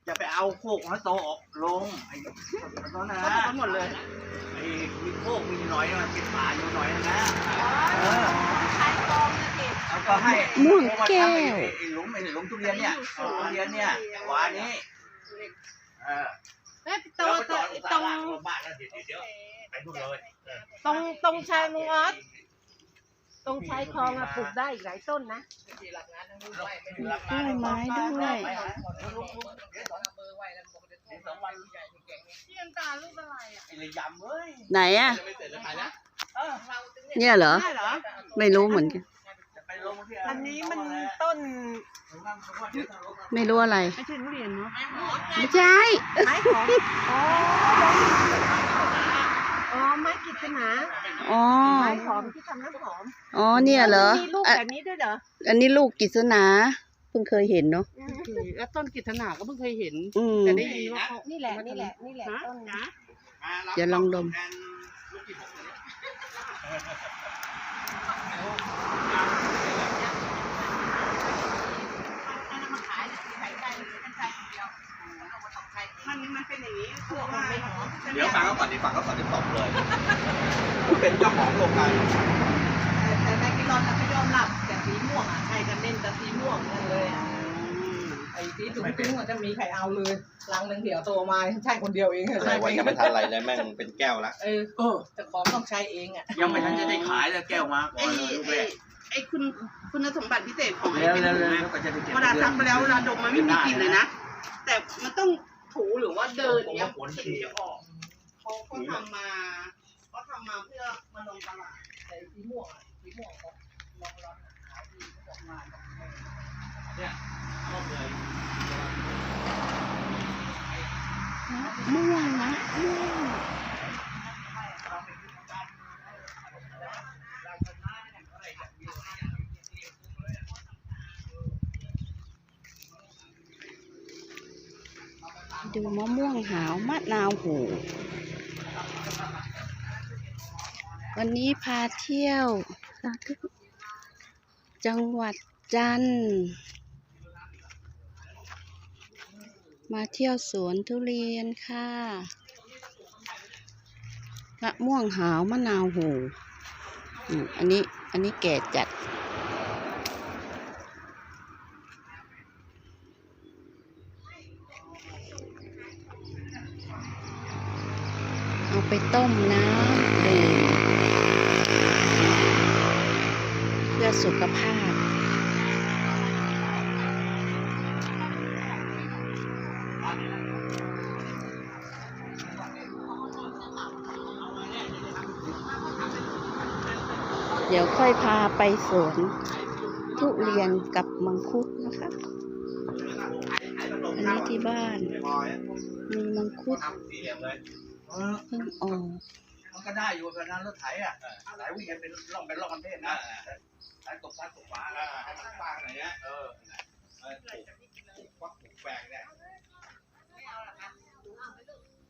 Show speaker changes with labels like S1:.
S1: จะไปเอาโคกของโตออกลงไอ้ตอนนั้นนะหมดเลยไอ้มีโคกมีหน่อยมันเป็นป่าอยู่หน่อยนะ
S2: ชายกองนะเด็ก
S1: แล้วก็ให้
S3: ม่วงแก้ว
S1: ไอ้หลุมทุเรียนเนี่ยทุเรียนเนี่ยหวานนี้
S2: แม่ตรงตรง
S1: บ้านแล้วเดี๋ยวไปนู่นเลย
S2: ตรงชายลุงออสตรงชายคลองอะปลูกได้อีกหลายต้นนะ
S3: กล้วยไม้ด้วย
S2: พี่น้ำตาลลูกอะไรอะ
S1: ไอ้ระยำเว้ย
S3: ไหนอ่ะเนี่ยเหรอ
S2: ได้เหรอ
S3: ไม่รู้เหมือนกัน
S2: อันนี้มันต้น
S3: ไม่รู้อะไร
S2: ไม่ใช่ทุเรียนเนาะ
S3: ไม่ใช่
S2: ไม้หอมอ๋อไม้กิตนา
S3: อ๋อ
S2: ไม้หอมที่ทำน้ำหอม
S3: อ๋อเนี่ยเหรอ
S2: มีลูกแบบนี้ด้วยเหรอ
S3: อันนี้ลูกกิษณาเพิ่งเคยเห็นเนาะ
S4: แล้วต้นกิตนาก็เพิ่งเคยเห็น
S3: อืม
S4: แต่ได้ยินว่าเขา
S2: นี่แหละต้นนะ
S3: เดี๋ยวลองดม
S2: มันเป็นอย่างนี้พวกมันไม่หอม
S1: เดี๋ยวฟังเขาก่อนที่ตบเลยเป็นเจ้าของโรงงาน
S2: แต่แม่กินร้อนไม่ยอมหลับแต่สีม่วงอ่ะใครกันเล่นแต่สีม่วงเลยอ่ะ
S4: ไอ้ที่ถุงปิ้งมันจะมีใครเอาเลยลังหนึ่งเดี๋ยวโตมาใช่คนเดียวเอง
S1: ใช่วันยังไม่ทันอะไรเลยแม่งเป็นแก้วละ
S4: จะของต้องใช้เองอ่ะ
S1: ยังไม่ทันจะได้ขายเลยแก้วมาก่อนเลยลูกแรก
S5: ไอ้คุณสมบัติพิเศษของไอ้
S1: แล้ว
S5: เป็น
S1: แล้วก็จะได้เก็บ
S5: เวลาซักไปแล้วเวลาดมมันไม่มีกลิ่นเลยนะ แต่มันต้องถูหรือว่าเดินเนี้ยกลิ่นจะออกเขาทำมาเพื่อมาลงตลาด
S4: แต่สีม่วงก็ลองขายดีเขาบอกมา
S1: เนี่ยก็เลย
S3: ม่วงนะม่วงดูมะม่วงหาวมะนาวโหวันนี้พาเที่ยวจังหวัดจันทร์มาเที่ยวสวนทุเรียนค่ะมะม่วงหาวมะนาวโหอันนี้แก่จัดเอาไปต้มน้ำดื่มเพื่อสุขภาพเดี๋ยวค่อยพาไปสวนทุเรียนกับมังคุดนะคะอันนี้ที่บ้านมีมังคุดเพิ่งออก
S1: มันก็ได้อยู่แต่นั้นรถไถอ่ะไถวิ่งเป็นร่องกันเทศนะไถตกซ้ายตกขวาให้มันฟางอะไรเงี้ยปลูกฟักปลูกแฝงเนี่ย